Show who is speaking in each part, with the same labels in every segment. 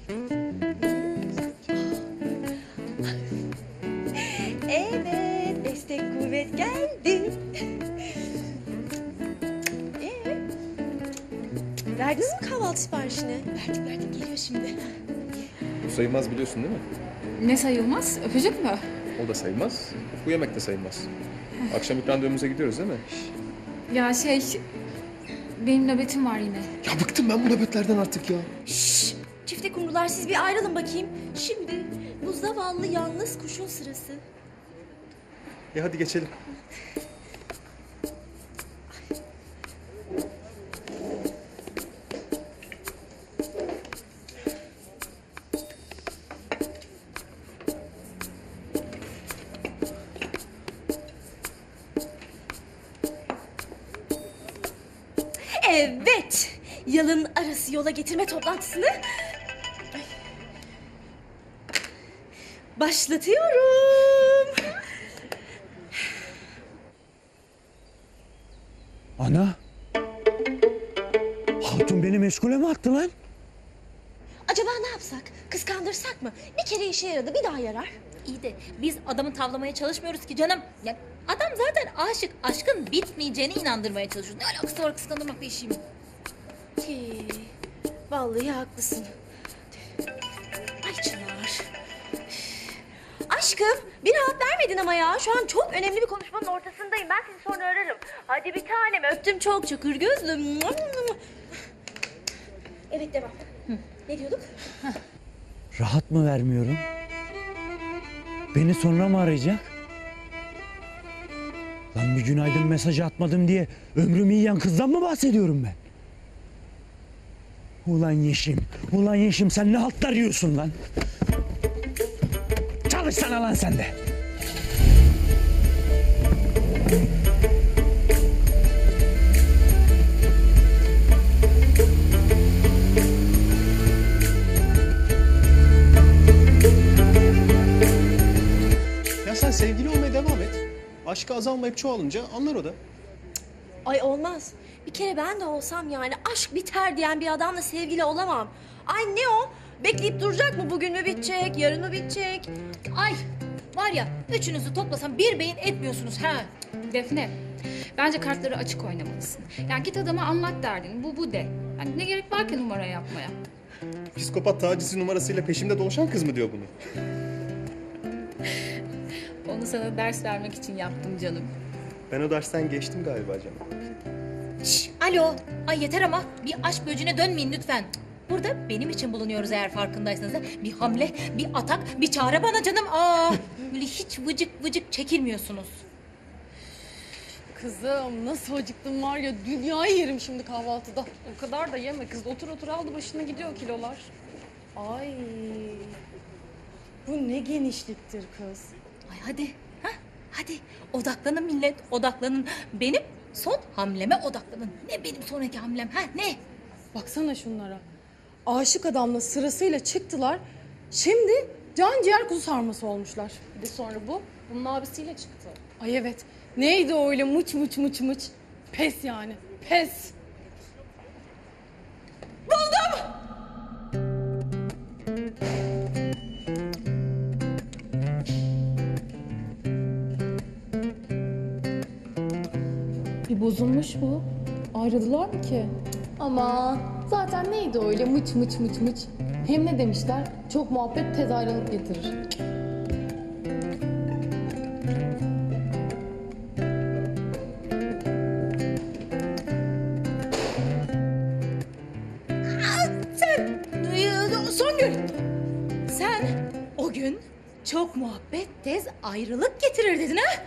Speaker 1: Evet, destek kuvvet geldi. Verdiniz mi kahvaltı siparişini? Verdik, geliyor şimdi.
Speaker 2: Bu sayılmaz biliyorsun değil mi?
Speaker 3: Ne sayılmaz? Öpücük mü?
Speaker 2: O da sayılmaz. Bu yemek de sayılmaz. Akşam ilk randevumuza gidiyoruz değil mi?
Speaker 3: Ya benim nöbetim var yine.
Speaker 2: Ya bıktım ben bu nöbetlerden artık ya.
Speaker 1: Şşş! Çifte kumrular siz bir ayrılın bakayım. Şimdi bu zavallı yalnız kuşun sırası.
Speaker 2: Hadi geçelim.
Speaker 1: Evet! Yalın arası yola getirme toplantısını başlatıyorum.
Speaker 4: Ana! Hatun beni meşgule mi attı lan?
Speaker 1: Acaba ne yapsak? Kıskandırsak mı? Bir kere işe yaradı, bir daha yarar.
Speaker 5: İyi de biz adamı tavlamaya çalışmıyoruz ki canım. Ya adam zaten aşık. Aşkın bitmeyeceğine inandırmaya çalışıyoruz. Ne alakası var kıskandırmakla işim?
Speaker 1: Vallahi haklısın. Ay Çınar. Aşkım, bir rahat vermedin ama ya. Şu an çok önemli bir konuşmanın ortasındayım. Ben seni sonra ararım. Hadi bir tanem, öptüm çok çakır gözlüm. Evet, devam. Ne diyorduk?
Speaker 4: Rahat mı vermiyorum? Beni sonra mı arayacak? Lan bir günaydın mesajı atmadım diye ömrümü yiyen kızdan mı bahsediyorum ben? Ulan Yeşim sen ne haltlar yiyorsun lan? Çalışsana lan sen de.
Speaker 6: Ya sen sevgili olmaya devam et. Aşkı azalmayıp çoğalınca anlar o da.
Speaker 1: Ay olmaz. Bir kere ben de olsam yani aşk biter diyen bir adamla sevgili olamam. Ay ne o? Bekleyip duracak mı? Bugün mü bitecek? Yarın mı bitecek?
Speaker 5: Ay var ya üçünüzü toplasam bir beyin etmiyorsunuz ha.
Speaker 3: Defne, bence kartları açık oynamalısın. Yani git adama anlat derdin. Bu de. Yani ne gerek var ki numara yapmaya?
Speaker 2: Psikopat tacizci numarasıyla peşimde dolaşan kız mı diyor bunu?
Speaker 3: Onu sana ders vermek için yaptım canım.
Speaker 2: Ben o dersten geçtim galiba canım.
Speaker 5: Şş, alo. Ay yeter ama bir aşk böcüğüne dönmeyin lütfen. Burada benim için bulunuyoruz eğer farkındaysanız. Ha. Bir hamle, bir atak, bir çare bana canım. Böyle hiç vıcık vıcık çekilmiyorsunuz.
Speaker 7: Kızım nasıl acıktım var ya, dünyayı yerim şimdi kahvaltıda. O kadar da yeme kız, otur otur aldı başına gidiyor kilolar. Ay bu ne genişliktir kız.
Speaker 5: Ay hadi. Ha? Hadi odaklanın millet, odaklanın. Benim son hamleme odaklanın. Ne benim sonraki hamlem? Ha ne?
Speaker 7: Baksana şunlara. Aşık adamla sırasıyla çıktılar. Şimdi can ciğer kuzu sarması olmuşlar. Bir de sonra bunun abisiyle çıktı. Ay evet. Neydi o öyle mıç mıç mıç mıç. Pes yani. Pes. Bir bozulmuş bu. Ayrıldılar mı ki? Aman zaten neydi öyle mıç mıç mıç mıç. Hem ne demişler? Çok muhabbet tez ayrılık getirir.
Speaker 5: Songül. Sen o gün çok muhabbet tez ayrılık getirir dedin ha?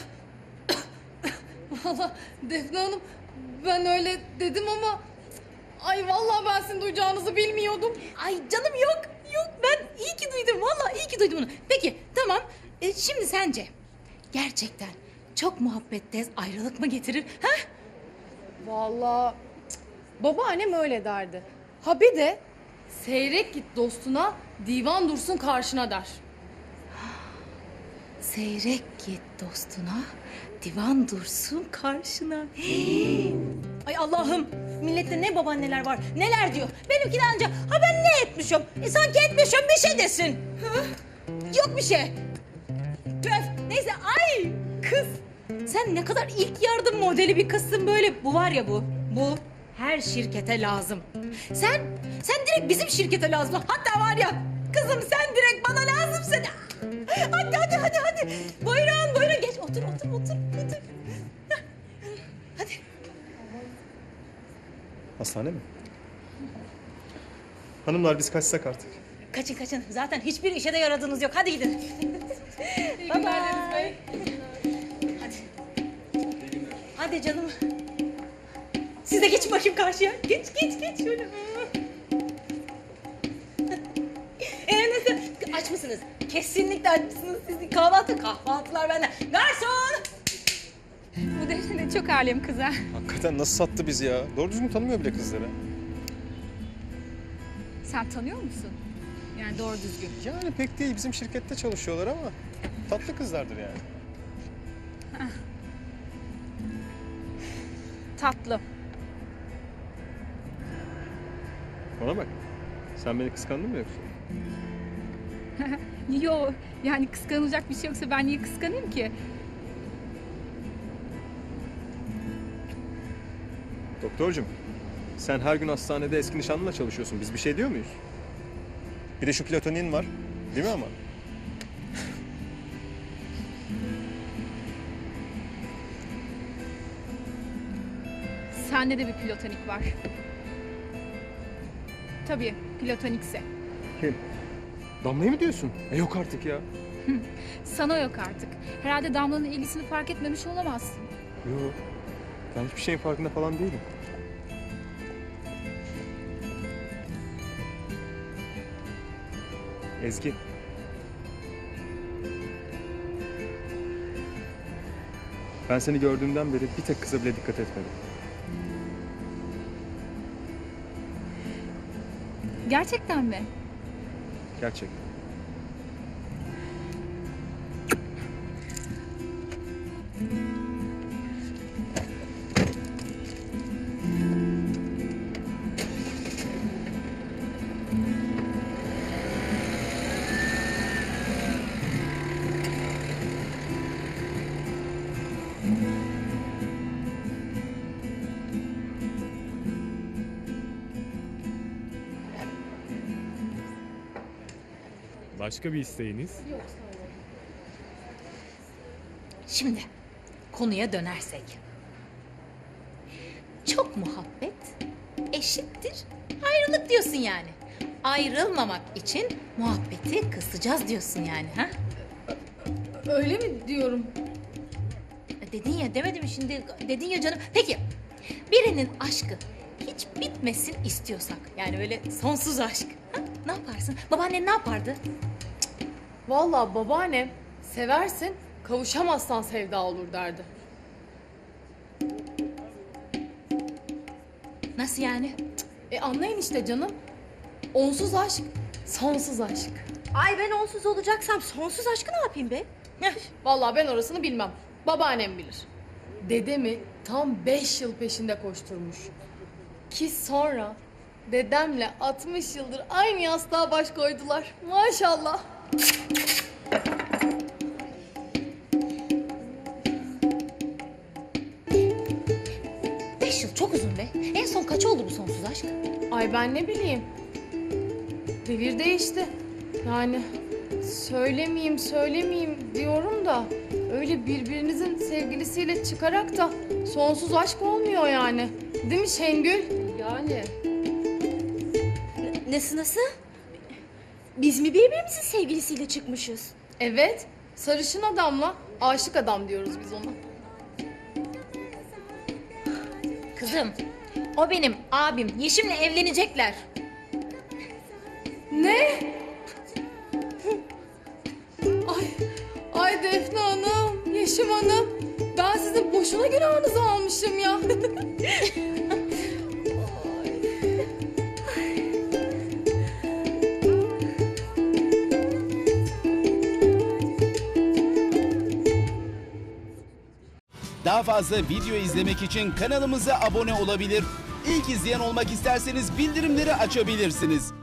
Speaker 7: Valla Defne Hanım ben öyle dedim ama ay vallahi ben sizin duyacağınızı bilmiyordum.
Speaker 5: Ay canım yok. Yok ben iyi ki duydum. Vallahi iyi ki duydum bunu. Peki tamam. Şimdi sence gerçekten çok muhabbet tez ayrılık mı getirir? Ha?
Speaker 7: Vallahi babaannem öyle derdi. Ha bir de seyrek git dostuna, divan dursun karşına der.
Speaker 5: Seyrek git dostuna, divan dursun karşına. Ay Allah'ım, millette ne babaanneler var, neler diyor. Benimki de anca, ha ben ne etmişim? Sanki etmişim bir şey desin. Hı? Yok bir şey. Tüf, neyse, ay kız. Sen ne kadar ilk yardım modeli bir kızsın böyle. Bu var ya bu her şirkete lazım. Sen direkt bizim şirkete lazım. Hatta var ya, kızım sen direkt bana lazımsın. Hadi. Buyurun geç otur. Hadi.
Speaker 6: Hastane mi? Hanımlar biz kaçsak artık.
Speaker 5: Kaçın. Zaten hiçbir işe de yaradığınız yok. Hadi gidin. Bye bye. Hadi canım. Siz de geçin bakayım karşıya. Geç şöyle. Nasıl? Aç mısınız? Kesinlikle aç mısınız? Siz kahvaltılar benden. Garson!
Speaker 3: Bu Defne çok alem kız ha.
Speaker 6: Hakikaten nasıl sattı bizi ya? Doğru düzgün tanımıyor bile kızları.
Speaker 3: Sen tanıyor musun? Yani doğru düzgün.
Speaker 6: Yani pek değil. Bizim şirkette çalışıyorlar ama tatlı kızlardır yani.
Speaker 3: Tatlı.
Speaker 2: Bana bak. Sen beni kıskandın mı yoksa?
Speaker 3: Yo, yani kıskanılacak bir şey yoksa ben niye kıskanayım ki?
Speaker 2: Doktorcum, sen her gün hastanede eski nişanlınla çalışıyorsun. Biz bir şey diyor muyuz?
Speaker 6: Bir de şu platonin var. Değil mi ama?
Speaker 3: Sende de bir platonik var. Tabii, platonikse.
Speaker 2: Kim? Damla'yı mı diyorsun? Yok artık ya.
Speaker 3: Sana yok artık. Herhalde Damla'nın ilgisini fark etmemiş olamazsın.
Speaker 2: Yok. Ben hiçbir şeyin farkında falan değilim. Ezgi. Ben seni gördüğümden beri bir tek kıza bile dikkat etmedim.
Speaker 3: Gerçekten mi?
Speaker 2: Gerçekten.
Speaker 8: Başka bir isteğiniz?
Speaker 5: Şimdi konuya dönersek. Çok muhabbet eşittir ayrılık diyorsun yani. Ayrılmamak için muhabbeti kısacağız diyorsun yani, ha?
Speaker 7: Öyle mi diyorum?
Speaker 5: Dedin ya, demedim mi şimdi? Dedin ya canım. Peki, birinin aşkı hiç bitmesin istiyorsak, yani öyle sonsuz aşk, ha? Ne yaparsın? Babaannen ne yapardı?
Speaker 7: Vallahi babaannem seversin, kavuşamazsan sevda olur derdi.
Speaker 5: Nasıl yani?
Speaker 7: Anlayın işte canım. Onsuz aşk, sonsuz aşk.
Speaker 1: Ay ben onsuz olacaksam sonsuz aşkı ne yapayım be?
Speaker 7: Vallahi ben orasını bilmem. Babaannem bilir. Dedemi tam 5 yıl peşinde koşturmuş. Ki sonra dedemle 60 yıldır aynı yastığa baş koydular. Maşallah.
Speaker 5: Beş yıl çok uzun be. En son kaç oldu bu sonsuz aşk?
Speaker 7: Ay ben ne bileyim. Devir değişti. Yani söylemeyeyim diyorum da öyle birbirinizin sevgilisiyle çıkarak da sonsuz aşk olmuyor yani. Değil mi Şengül? Yani.
Speaker 1: Nasıl? Biz mi birbirimizin sevgilisiyle çıkmışız?
Speaker 7: Evet. Sarışın adamla aşık adam diyoruz biz ona.
Speaker 5: Kızım, o benim abim. Yeşim'le evlenecekler.
Speaker 7: Ne? Ay Defne Hanım, Yeşim Hanım. Ben sizin boşuna günahınızı almışım ya.
Speaker 8: fazla video izlemek için kanalımıza abone olabilir. İlk izleyen olmak isterseniz bildirimleri açabilirsiniz.